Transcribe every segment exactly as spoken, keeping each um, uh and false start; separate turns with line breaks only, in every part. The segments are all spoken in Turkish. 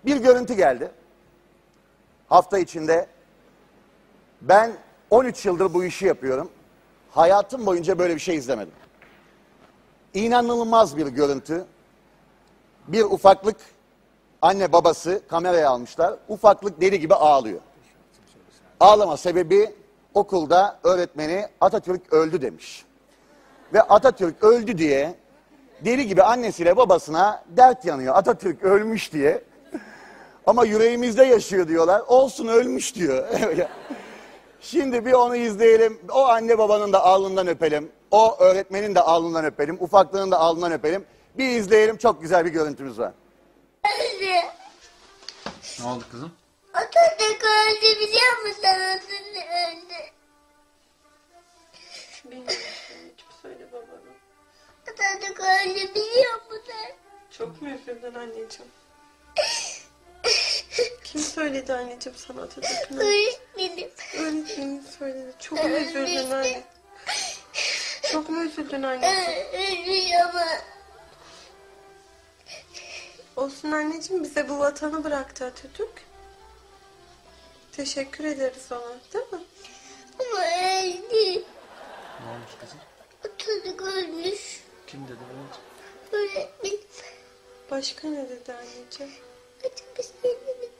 Bir görüntü geldi. Hafta içinde ben on üç yıldır bu işi yapıyorum. Hayatım boyunca böyle bir şey izlemedim. İnanılmaz bir görüntü. Bir ufaklık anne babası kameraya almışlar. Ufaklık deli gibi ağlıyor. Ağlama sebebi okulda öğretmeni Atatürk öldü demiş. Ve Atatürk öldü diye deli gibi annesiyle babasına dert yanıyor. Atatürk ölmüş diye. Ama yüreğimizde yaşıyor diyorlar. Olsun ölmüş diyor. Şimdi bir onu izleyelim. O anne babanın da alnından öpelim. O öğretmenin de alnından öpelim. Ufaklığın da alnından öpelim. Bir izleyelim. Çok güzel bir görüntümüz var.
Ne oldu kızım?
Atatürk öldü biliyor musun? Atatürk öldü.
Bilmiyorum. Kim söyle babana?
Atatürk öldü biliyor musun?
Çok mu üzüldün anneciğim? Kim söyledi anneciğim sana Atatürk'ün?
Öğretmenim.
Öğretmenim söyledi. Çok mu üzüldün anne? Çok mu üzüldün anneciğim?
Ölmüş ama.
Olsun anneciğim, bize bu vatanı bıraktı Atatürk. Teşekkür ederiz ona, değil mi?
Ama öldü.
Ne olmuş kızım?
Atatürk ölmüş.
Kim dedi anneciğim?
Öğretmenim.
Başka ne dedi anneciğim?
Açık bir şey demedim.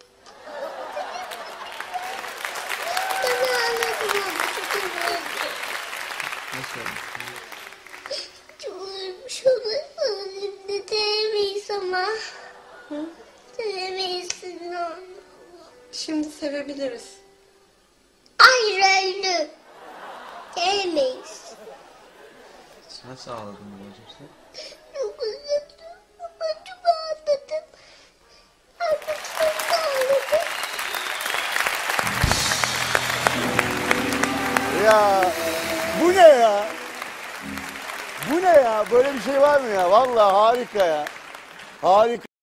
Ben ağladım ama çok öldü.
Nasıl olmuş kızım?
Çok ölmüş onu. Ölümde denemeyiz ama.
Hı?
Denemeyiz onu.
Şimdi sevebiliriz.
Hayır öldü. Denemeyiz.
Nasıl ağladın babacığım sen?
Çok üzüldüm. Ama çok ağladım. Artık çok ağladım.
Ya bu ne ya? Bu ne ya? Böyle bir şey var mı ya? Vallahi harika ya. Harika.